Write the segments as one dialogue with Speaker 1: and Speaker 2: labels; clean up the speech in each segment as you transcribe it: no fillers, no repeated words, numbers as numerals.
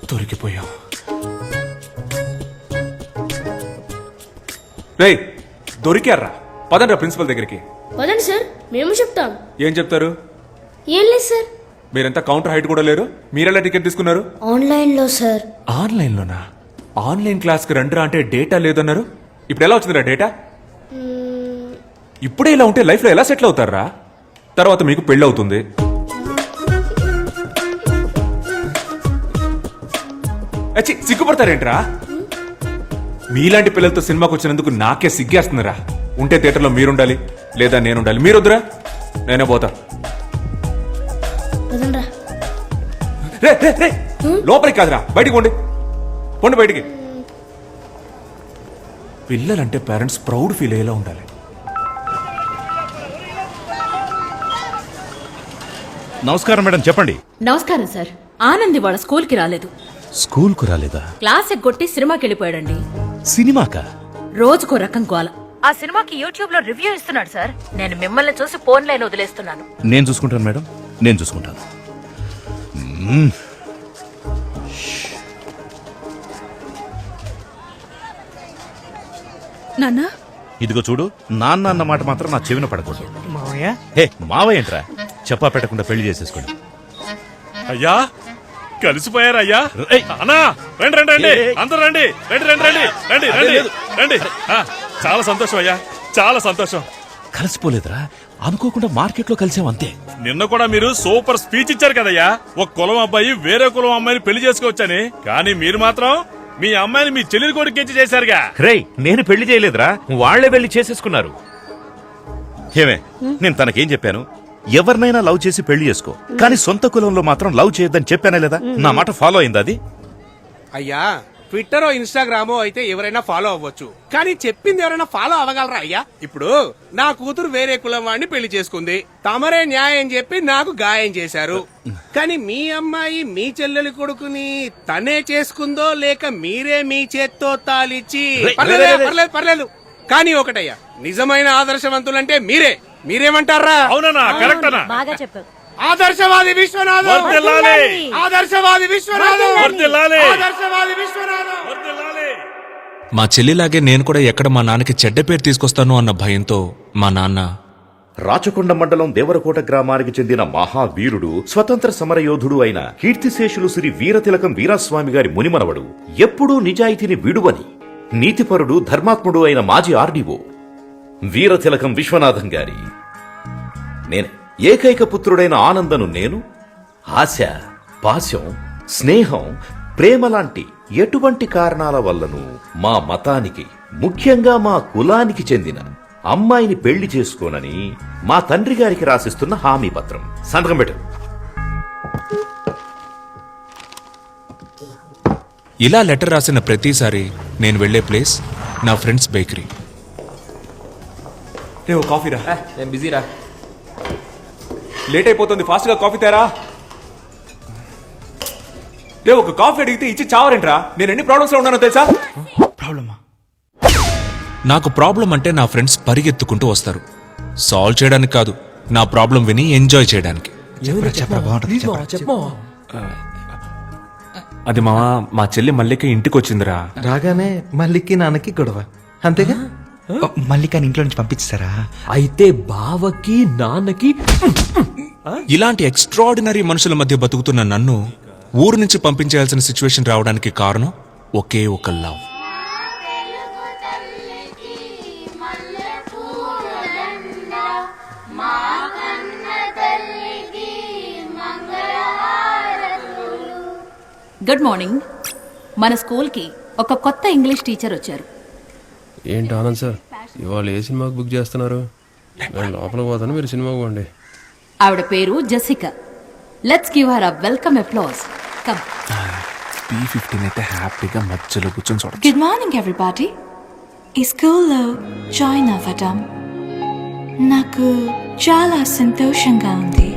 Speaker 1: దొరికిపోయాం. రేయ్ దొరికారా? పదండ్రా ప్రిన్సిపల్ దగ్గరికి.
Speaker 2: పదండి సార్, మేము చెప్తాం.
Speaker 1: ఏం చెప్తారు?
Speaker 2: ఏం లేదు సార్.
Speaker 1: మీరంతా కౌంటర్ హైట్ కూడా లేరు. మీరెలా టికెట్ తీసుకున్నారు?
Speaker 2: ఆన్లైన్లో సార్.
Speaker 1: ఆన్లైన్లోనా? ఆన్లైన్ క్లాస్కి రండిరా అంటే డేటా లేదన్నారు. ఇప్పుడు ఎలా వచ్చిందిరా డేటా? ఇప్పుడే ఇలా ఉంటే లైఫ్లో ఎలా సెటిల్ అవుతారా? తర్వాత మీకు పెళ్ళి అవుతుంది. అచ్చి సిగ్గుపడతారేంట్రా? మీలాంటి పిల్లలతో సినిమాకి వచ్చినందుకు నాకే సిగ్గేస్తుందిరా. ఉంటే థియేటర్లో మీరుండాలి, లేదా నేనుండాలి. మీరొద్దురా, నేనే పోతా. రే రే రే, లోపలికి కాదురా, బయటికి పోండి. పోండి బయటికి. పిల్లలంటే పేరెంట్స్ ప్రౌడ్ ఫీల్ అయ్యేలా ఉండాలి.
Speaker 3: నమస్కారం మేడం, చెప్పండి.
Speaker 4: నమస్కారం సార్. ఆనంద్ వాళ్ళ స్కూల్ కి రాలేదు.
Speaker 3: స్కూల్ కు రాలేదా?
Speaker 4: క్లాస్ ఎగ్గొట్టి సినిమాకి వెళ్ళిపోయాడండి.
Speaker 3: సినిమాకా?
Speaker 4: రోజుకో రకం గోల. ఆ సినిమాకి యూట్యూబ్ లో రివ్యూ ఇస్తున్నాడు సార్. నేను మిమ్మల్ని చూసి ఫోన్ లైన్ వదిలేస్తున్నాను.
Speaker 3: నేను చూసుకుంటాను మేడం, నేను చూసుకుంటాను.
Speaker 4: నాన్న,
Speaker 3: ఇదిగో చూడు, నాన్న అన్న మాట మాత్రం నా చెవిన పడకూడదు.
Speaker 5: మావయ్య?
Speaker 3: హే మావయ్య ఏంట్రా? చెప్పా పెట్టకుండా పెళ్లి చేసేసుకోండి.
Speaker 6: అయ్యా కలిసిపోయారు అయ్యా.
Speaker 3: ఏయ్.
Speaker 6: అన్నా రండి రండి రండి,
Speaker 3: ఏయ్.
Speaker 6: అందరూ రండి రండి రండి రండి రండి
Speaker 3: అదే
Speaker 6: రండి
Speaker 3: లేదు.
Speaker 6: రండి. చాలా సంతోషం అయ్యా, చాలా సంతోషం.
Speaker 3: కలిసిపోలేదురా, అనుకోకుండా మార్కెట్ లో కలిసాం అంతే.
Speaker 6: నిన్న కూడా మీరు సూపర్ స్పీచ్ ఇచ్చారు కదయ్యా. ఒక కులం అబ్బాయి వేరే కులం అమ్మాయిని పెళ్లి చేసుకోవచ్చని. కానీ మీరు మాత్రం మీ అమ్మాయిని మీ చెల్లెలి కొడుకు ఇచ్చి చేశారుగా.
Speaker 3: రేయ్, నేను పెళ్లి చేయలేదురా, వాళ్లే పెళ్లి చేసేసుకున్నారు. ఏమే, నేను తనకేం చెప్పాను? ఎవరినైనా లవ్ చేసి పెళ్లి చేసుకో, కానీ సొంత కులంలో మాత్రం లవ్ చేయొద్దని చెప్పానే లేదా? నా మాట ఫాలో అయింది అది?
Speaker 5: అయ్యా, ట్విట్టరో ఇన్స్టాగ్రామో అయితే ఎవరైనా ఫాలో అవ్వచ్చు, కానీ చెప్పింది ఎవరైనా ఫాలో అవ్వగలరా అయ్యా? ఇప్పుడు నా కూతురు వేరే కులం వాడిని పెళ్లి చేసుకుంది, తమరే న్యాయం చెప్పి నాకు గాయం చేశారు. కానీ మీ అమ్మాయి మీ చెల్లెలి కొడుకుని తనే చేసుకుందో లేక మీరే మీ చేత్తో తాలిచ్చి? పర్లేదు పర్లేదు, కానీ ఒకటయ్యా, నిజమైన ఆదర్శవంతులంటే మీరే. మీరేమంటారా?
Speaker 6: అవునన్నా, కరెక్ట్ అన్నా.
Speaker 4: బాగా చెప్పావు.
Speaker 5: ఆదర్శవాది విశ్వనాథం,
Speaker 6: వర్ధిల్లాలి.
Speaker 5: ఆదర్శవాది విశ్వనాథం,
Speaker 6: వర్ధిల్లాలి.
Speaker 5: ఆదర్శవాది విశ్వనాథం.
Speaker 6: వర్ధిల్లాలి.
Speaker 1: మా చెల్లిలాగే నేను కూడా ఎక్కడ మా నాన్నకి చెడ్డ పేరు తీసుకొస్తాను అన్న భయంతో మా నాన్న
Speaker 3: రాచకొండ మండలం దేవరకోట గ్రామానికి చెందిన మహావీరుడు, స్వతంత్ర సమరయోధుడు అయిన కీర్తిశేషులు శ్రీ వీరతిలకం వీరాస్వామి గారి మునిమనవడు, ఎప్పుడూ నిజాయితీని విడువని నీతిపరుడు, ధర్మాత్ముడు అయిన మాజీ ఆర్డీఓ వీరతిలకం విశ్వనాథం గారి నేనే ఏకైక పుత్రుడైన ఆనందను నేను ఆశ, పాశం, స్నేహం, ప్రేమ లాంటి ఎటువంటి కారణాల వల్లను మా మతానికి, ముఖ్యంగా మా కులానికి చెందిన అమ్మాయిని పెళ్లి చేసుకోనని మా తండ్రి గారికి రాసిస్తున్న హామీ పత్రం. సంతకం పెట్టు.
Speaker 1: ఇలా లెటర్ రాసిన ప్రతిసారి నేను వెళ్లే ప్లేస్ నా ఫ్రెండ్స్ బేకరీ. రే ఓ కాఫీ రా.
Speaker 7: నేను బిజీరా.
Speaker 1: లేట్ అయిపోతుంది, ఫాస్ట్ గా కాఫీ తేరా. రే ఒక కాఫీ అడిగితే ఇచ్చి చావరేంట్రా? నేను ఎన్ని ప్రాబ్లమ్స్ లో ఉన్నానో తెలుసా?
Speaker 5: ప్రాబ్లమా?
Speaker 1: నాకు ప్రాబ్లం అంటే నా ఫ్రెండ్స్ పరిగెత్తుకుంటూ వస్తారు. సాల్వ్ చేయడానికి కాదు, నా ప్రాబ్లం విని ఎంజాయ్ చేయడానికి. అది మా చెల్లి మల్లిక ఇంటికి వచ్చిందిరా.
Speaker 8: రాగానే మల్లికి నాన్నకి గొడవ, అంతేగా? మల్లికని ఇంట్లో నుంచి పంపించారా?
Speaker 7: అయితే బావకి నాన్నకి
Speaker 1: ఇలాంటి ఎక్స్ట్రాడినరీ మనుషుల మధ్య బతుకుతున్న నన్ను ఊరు నుంచి పంపించాల్సిన సిచ్యువేషన్ రావడానికి కారణం ఒకే ఒక లవ్.
Speaker 4: Good morning. మన స్కూల్ కి ఒక కొత్త ఇంగ్లీష్ టీచర్ వచ్చారు.
Speaker 9: ఏంటి ఆనంద్ సార్, ఇవాళ ఏ సినిమాకి బుక్ చేస్తున్నారు? నేను లోపలికి పోతాను, మీరు సినిమాకి పోండి.
Speaker 4: ఆవిడ పేరు Jessica. Let's give her a welcome applause. Come.
Speaker 1: B15 అయితే హ్యాపీగా మధ్యలో కూర్చొని చూడండి.
Speaker 10: Good morning everybody. ఈ స్కూల్లో జాయిన్ అవ్వడం నాకు చాలా సంతోషంగా ఉంది.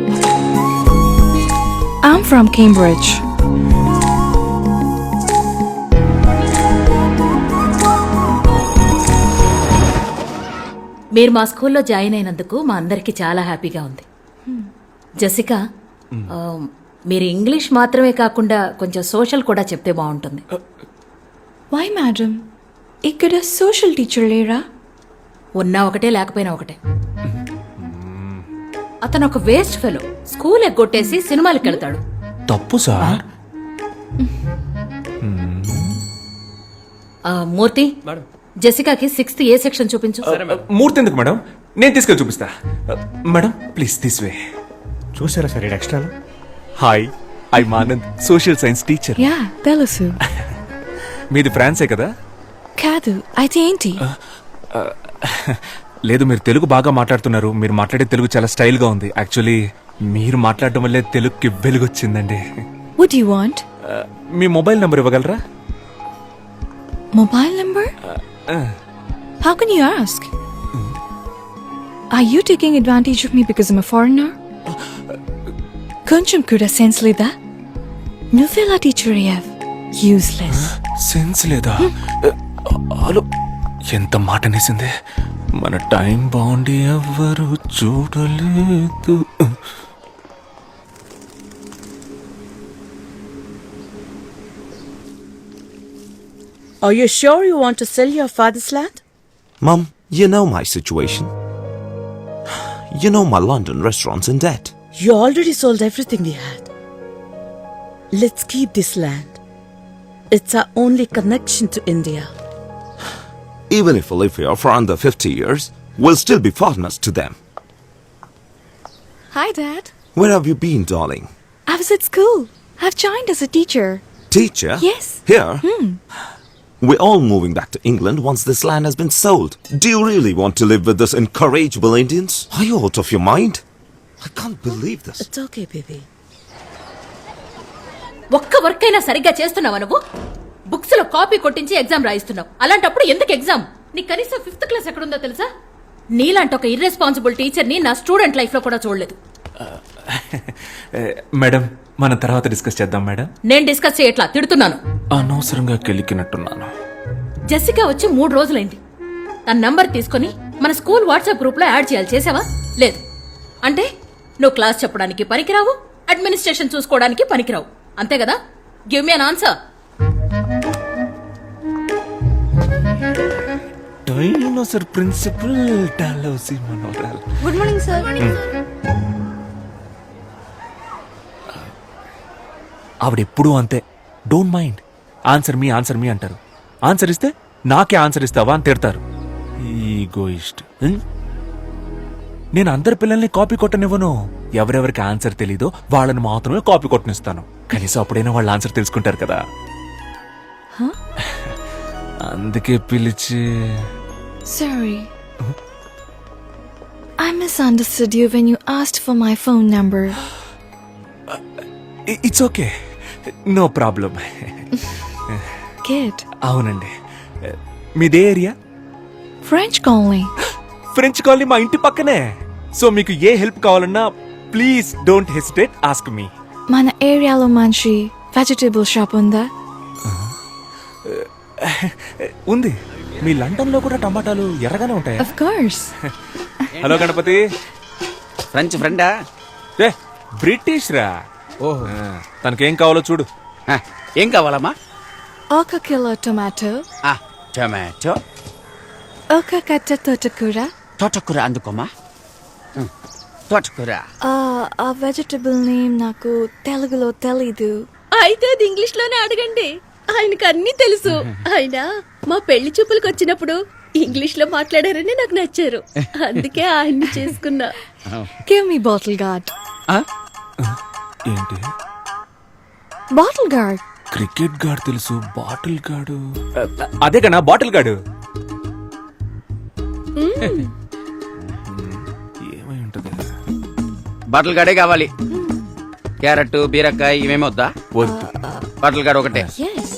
Speaker 10: I'm from Cambridge.
Speaker 4: మీరు మా స్కూల్లో జాయిన్ అయినందుకు మా అందరికీ చాలా హ్యాపీగా ఉంది. జసికా, మీరు ఇంగ్లీష్ మాత్రమే కాకుండా కొంచెం సోషల్ కూడా చెప్తే బాగుంటుంది.
Speaker 10: వై మేడం, ఇక్కడ సోషల్ టీచర్ లేరా?
Speaker 4: ఉన్నా ఒకటే లేకపోయినా ఒకటే. అతను ఒక వేస్ట్ ఫెలో. స్కూల్ ఎగ్గొట్టేసి సినిమాలకు వెళ్తాడు.
Speaker 1: తప్పు సార్.
Speaker 4: మూర్తి, జెసికాకి 6th ఏ సెక్షన్ చూపించు.
Speaker 1: మూర్తి ఎందుకు మేడం, నేను తీసుకెళ్ళి చూపిస్తా. Madam please this way.
Speaker 8: చూసారా sir extra?
Speaker 1: Hi, I Anand, social science teacher.
Speaker 10: Yeah తెలుసు.
Speaker 1: మీది ఫ్రాన్సే కదా?
Speaker 10: కాదు, అయితే ఏంటి?
Speaker 1: లేదు, మీరు తెలుగు బాగా మాట్లాడుతున్నారు. మీరు మాట్లాడే తెలుగు చాలా స్టైల్ గా ఉంది. యాక్చువల్లీ మీరు మాట్లాడడం వల్లే తెలుగుకి వెలుగొచ్చిందండి.
Speaker 10: What do you want?
Speaker 1: మీ మొబైల్ నంబర్ ఇవ్వగలరా?
Speaker 10: Mobile number? How can you ask? Are you taking advantage of me because I'm a foreigner? కొంచెం కూడా సెన్స్ లేదా? నువ్వెలా టీచర్ అయ్యావ్? యూస్లెస్.
Speaker 1: సెన్స్ లేదా? హలో, ఎంత మాట అనేసింది. మన టైం బాగుండి ఎవ్వరు చూడలేదు.
Speaker 11: Are you sure you want to sell your father's land?
Speaker 12: Mum, you know my situation. You know my London restaurant's in debt.
Speaker 11: You already sold everything we had. Let's keep this land. It's our only connection to India.
Speaker 12: Even if we live here for under 50 years, we'll still be foreigners to them.
Speaker 10: Hi, Dad.
Speaker 12: Where have you been, darling?
Speaker 10: I was at school. I've joined as a teacher.
Speaker 12: Teacher?
Speaker 10: Yes.
Speaker 12: Here? We're all moving back to England once this land has been sold. Do you really want to live with this incorrigible Indians? Are you out of your mind? I can't believe this.
Speaker 11: It's okay, baby.
Speaker 4: ఒక్క work అయినా సరిగ్గా చేస్తున్నావా నువ్వు? Books లో copy కొట్టించి exam రాయిస్తున్నావు. అలాంటప్పుడు ఎందుకు exam? నీ కనీసం 5th క్లాస్ ఎక్కడుందో తెలుసా? నీలాంటి ఒక ఇర్రెస్పాన్సిబుల్ టీచర్ ని నా స్టూడెంట్ లైఫ్ లో కూడా చూడలేదు.
Speaker 1: మేడం, మనం తర్వాత డిస్కస్ చేద్దాం మేడం.
Speaker 4: నేను డిస్కస్ చేయట్లా, తిడుతున్నాను.
Speaker 1: అనవసరంగా కెలికినట్టున్నాను.
Speaker 4: జెసికా వచ్చి 3 రోజులైంది. తన నంబర్ తీసుకుని మన స్కూల్ వాట్సాప్ గ్రూప్ లో యాడ్ చేయాలి. చేసావా? లేదు. అంటే నువ్వు క్లాస్ చెప్పడానికి పనికిరావు, అడ్మినిస్ట్రేషన్ చూసుకోవడానికి పనికిరావు. అంతే కదా? Give me an answer.
Speaker 1: Dinosaur principal డాలౌసి మనోరల్.
Speaker 2: Good morning sir.
Speaker 1: ఆవిడెప్పుడూ అంతే. Don't mind. ఆన్సర్ మీ అంటారు. ఆన్సర్ ఇస్తే నాకే ఆన్సర్ ఇస్తావా అని తిడతారు. ఈగోయిస్ట్. నేను అందరి పిల్లల్ని కాపీ కొట్టనివ్వను. ఎవరెవరికి ఆన్సర్ తెలీదో వాళ్ళని మాత్రమే కాపీ కొట్టనిస్తాను. కనీసం అప్పుడైనా వాళ్ళ ఆన్సర్ తెలుసుకుంటారు కదా. అందుకే పిలిచి.
Speaker 10: Sorry. I misunderstood you when you asked for my phone number.
Speaker 1: It's okay, no problem.
Speaker 10: Kid.
Speaker 1: అవునండి. మీదే area?
Speaker 10: French colony.
Speaker 1: French colony మా ఇంటి పక్కనే. సో మీకు ఏ హెల్ప్ కావాలన్నా please don't hesitate, ask me.
Speaker 10: మన ఏరియాలో మంచి వెజిటబుల్ షాప్ ఉందా?
Speaker 1: ఉంది. మీ లండన్ లో కూడా టమాటాలు ఎర్రగానే ఉంటాయి.
Speaker 10: Of course.
Speaker 1: Hello Ganapathi.
Speaker 5: French ఫ్రెండా?
Speaker 1: బ్రిటిష్ రా. తనకేం కావాలో చూడు.
Speaker 5: ఏం కావాలమ్మా?
Speaker 10: ఒక కిలో టొమాటో.
Speaker 5: టొమాటో.
Speaker 10: ఒక కట్ట తోటకూర.
Speaker 5: తోటకూర అందుకోమా. తోటకూర.
Speaker 10: ఆ వెజిటబుల్ నేమ్ నాకు తెలుగులో తెలీదు.
Speaker 2: అయితే అది ఇంగ్లీష్ లోనే అడగండి, ఆయనకు అన్ని తెలుసు. ఆయన మా పెళ్లి చూపులకు వచ్చినప్పుడు ఇంగ్లీష్ లో మాట్లాడారని నాకు నచ్చారు, అందుకే ఆయన్ని చేసుకున్నా.
Speaker 10: Give me bottle guard.
Speaker 1: ఏంటి?
Speaker 10: Bottle guard.
Speaker 1: క్రికెట్ గాడు తెలుసు, బాటిల్ గాడు అదే కన్నా బాటిల్ గాడు. ఏమై ఉంటది?
Speaker 5: బాటిల్ గాడే కావాలి. క్యారెట్, బీరకాయ ఇవేమో వద్దా?
Speaker 1: వద్దు.
Speaker 5: బాటిల్ గాడు ఒకటే.
Speaker 10: Yes.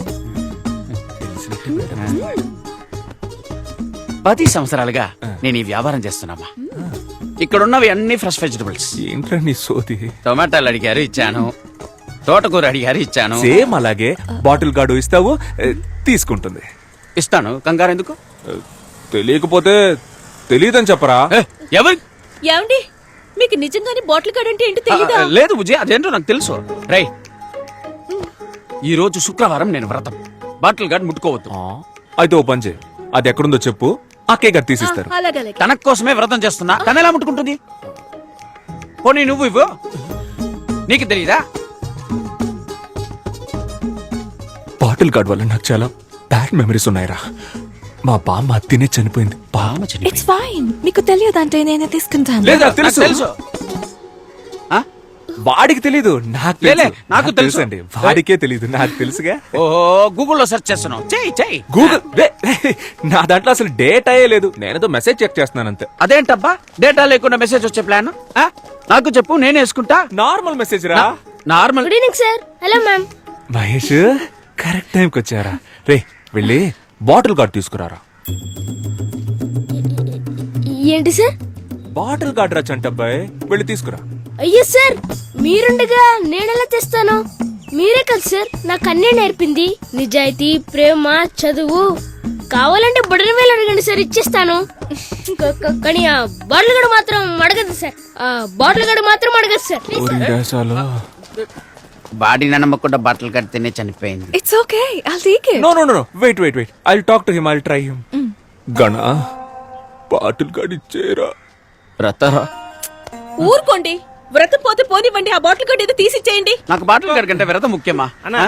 Speaker 5: 10 సంవత్సరాలుగా నేను ఈ వ్యాపారం చేస్తున్నామా. ఇక్కడున్నవి అన్ని ఫ్రెష్ వెజిటబుల్స్.
Speaker 1: ఏంట్రా నీ సోది?
Speaker 5: టొమాటోలు అడిగారు, ఇచ్చాను. తోటకూర అడిగారు, ఇచ్చాను.
Speaker 1: సేమ్ అలాగే బాటిల్ గాడు ఇస్తావు, తీసుకుంటుంది.
Speaker 5: ఇస్తాను, కంగారు ఎందుకు?
Speaker 1: తెలియకపోతే తెలియదని చెప్పరా?
Speaker 13: ఎవరు
Speaker 2: ఏమండి మీకు నిజంగానే బాటిల్ గార్డ్ అంటే ఏంటో తెలీదా?
Speaker 13: లేదు బుజ్జి అదేంటో నాకు తెలుసు రై ఈ రోజు శుక్రవారం నేను వ్రతం బాటిల్ గార్డ్ ముట్టుకోవద్దు
Speaker 1: అయితే ఓ పని చేయి, అది ఎక్కడుందో చెప్పు, ఆ కేక్ అది తీసిస్తారు.
Speaker 2: అలాగే
Speaker 13: తన కోసమే వ్రతం చేస్తున్నా తన ఎలా ముట్టుకుంటుంది? పోనీ నువ్వు ఇవ్వు, నీకు తెలియదా?
Speaker 1: బాటిల్ గార్డ్ వల్ల నాకు చాలా బ్యాడ్ మెమరీస్ ఉన్నాయిరా. మా బామ్మ తినే చనిపోయింది. బామ్మ
Speaker 10: It's fine. మీకు తెలియదంటే నేనే తీసుకుంటాను.
Speaker 1: లేదా
Speaker 13: నాకు
Speaker 1: తెలుసు
Speaker 13: తెలుసు
Speaker 1: వాడికి తెలీదు, నాకు
Speaker 13: లేలే,
Speaker 1: తెలుసు.
Speaker 13: నాకు తెలుసు.
Speaker 1: అండి, వాడికే తెలీదు, నాకు తెలుసుగా.
Speaker 13: ఓహో గూగుల్లో సెర్చ్ చేస్తున్నావు, చెయ్యి
Speaker 1: గూగుల్ నా దాంట్లో అసలు డేటా లేదు, నేనేదో మెసేజ్ చెక్ చేస్తున్నాను అంతే.
Speaker 13: అదేంటబ్బా డేటా లేకుండా మెసేజ్ వచ్చే ప్లాన్ నాకు చెప్పు, నేను వేసుకుంటా.
Speaker 1: నార్మల్ మెసేజ్ రా.
Speaker 13: Normal.
Speaker 2: Good evening sir. Hello ma'am.
Speaker 1: Mahesh correct టైంకి వచ్చారా? రే వెళ్ళి బాటిల్ గార్డ్ తీసుకురారా.
Speaker 2: ఏంటి సార్?
Speaker 1: బాటిల్ గార్డ్ రా చంటబ్బాయ్, వెళ్ళి తీసుకురా.
Speaker 2: అయ్యో సార్, మీరుండగా నేనెలా తెస్తాను? మీరే కదా సార్ నాకు అన్నీ నేర్పింది. నిజాయితీ, ప్రేమ, చదువు. కావాలంటే బుడని వేలు అడగండి సార్, ఇచ్చేస్తాను. కానీ ఆ బాటిల్ గడు మాత్రం అడగదు సార్. ఆ బాటిల్ గడు మాత్రం అడగదు సార్.
Speaker 13: బాడీ నమ్మకుండా బట్టలు కడితేనే చనిపోయింది.
Speaker 10: It's okay. I'll take it.
Speaker 1: No no no wait wait wait, I talk to him, I try him. Gana bottle guard ఇచ్చేరా.
Speaker 13: రతారా
Speaker 2: ఊరుకోండి, వ్రతం పోతే పోనివ్వండి, ఆ బాటిల్ గడు ఏదో తీసిచ్చేయండి.
Speaker 13: నాకు బాటిల్ గారి కంటే వ్రతం ముఖ్యమా?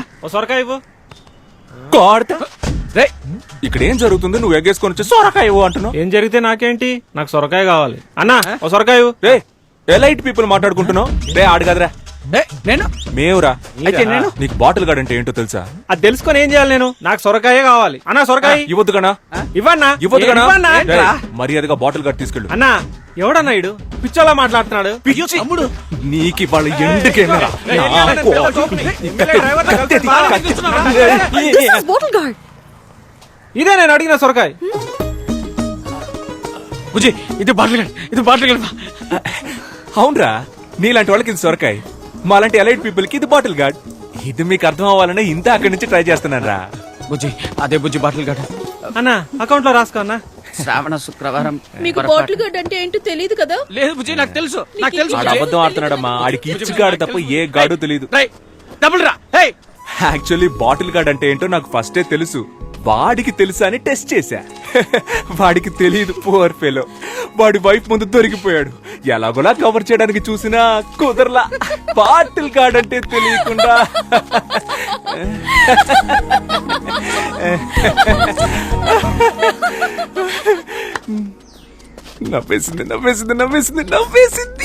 Speaker 1: గాడ్ రే, ఇక్కడ ఏం జరుగుతుంది? నువ్వు ఎగ్గేసుకొని వచ్చి సొరకాయ ఇవ్వు అంటున్నావు.
Speaker 7: ఏం జరిగితే నాకేంటి, నాకు సొరకాయ కావాలి. అన్నా ఓ సొరకాయ.
Speaker 1: రే ఎలైట్ పీపుల్ మాట్లాడుకుంటున్నావు. రే ఆడు కదరా,
Speaker 13: నేను
Speaker 1: మేవురా.
Speaker 13: అయితే నేను
Speaker 1: నీకు బాటిల్ గార్డ్ అంటే ఏంటో తెలుసా?
Speaker 7: అది తెలుసుకొని ఏం చేయాలి నేను? నాకు సొరకాయ కావాలి. అన్నా సొరకాయ
Speaker 1: ఇవ్వద్దు గనా,
Speaker 7: ఇవ్వన్నా.
Speaker 1: ఇవ్వద్దు గనా.
Speaker 7: ఇవ్వన్నా.
Speaker 1: రేయ్, మర్యాదగా బాటిల్ గార్డ్ తీసుకెళ్ళు.
Speaker 7: అన్నా ఎవడన్నా ఇడు పిచ్చోలా మాట్లాడుతున్నాడు?
Speaker 1: తమ్ముడు నీకు వాళ్ళ ఎందుకేనా?
Speaker 10: This is bottle guard.
Speaker 7: ఇదే నేను అడిగిన సొరకాయ.
Speaker 13: బుజ్జి ఇది బాటిల్ గార్డ్, ఇది బాటిల్ గార్డ్.
Speaker 1: అవునరా, నీలాంటి వాళ్ళకి ఇది సొరకాయ, మాలాంటి ఎలైట్ పీపుల్ కి ఇది బాటిల్ గార్డ్. ఇది మీకు అర్థం అవ్వాలనే ఇంత అక్కడి నుంచి ట్రై చేస్తున్నాను రా.
Speaker 13: బుజ్జి అదే బుజ్జి బాటిల్ గార్డ్.
Speaker 7: అన్నా అకౌంట్ లో రాసుకో అన్నా.
Speaker 13: శ్రావణ శుక్రవారం.
Speaker 2: మీకు బాటిల్ గడ్ అంటే ఏంటో తెలియదు కదా?
Speaker 13: లేదు బుజ్జి నాకు తెలుసు, నాకు తెలుసు.
Speaker 1: ఆడు అబద్ధం ఆడుతున్నాడమ్మా, ఆడికి ఇచ్చి గాడు తప్ప ఏ గాడు తెలియదు.
Speaker 13: డబుల్ రా. హే
Speaker 1: యాక్చువల్లీ బాటిల్ గార్డ్ అంటే ఏంటో నాకు ఫస్టే తెలుసు, వాడికి తెలుసా అని టెస్ట్ చేశా. వాడికి తెలియదు, పువర్ ఫెలో. వాడి వైఫ్ ముందు దొరికిపోయాడు. ఎలాగోలా కవర్ చేయడానికి చూసినా కుదరలా. బాటిల్ గార్డ్ అంటే తెలియకుండా నవ్వేసింది నవ్వేసింది నవ్వేసింది నవ్వేసింది.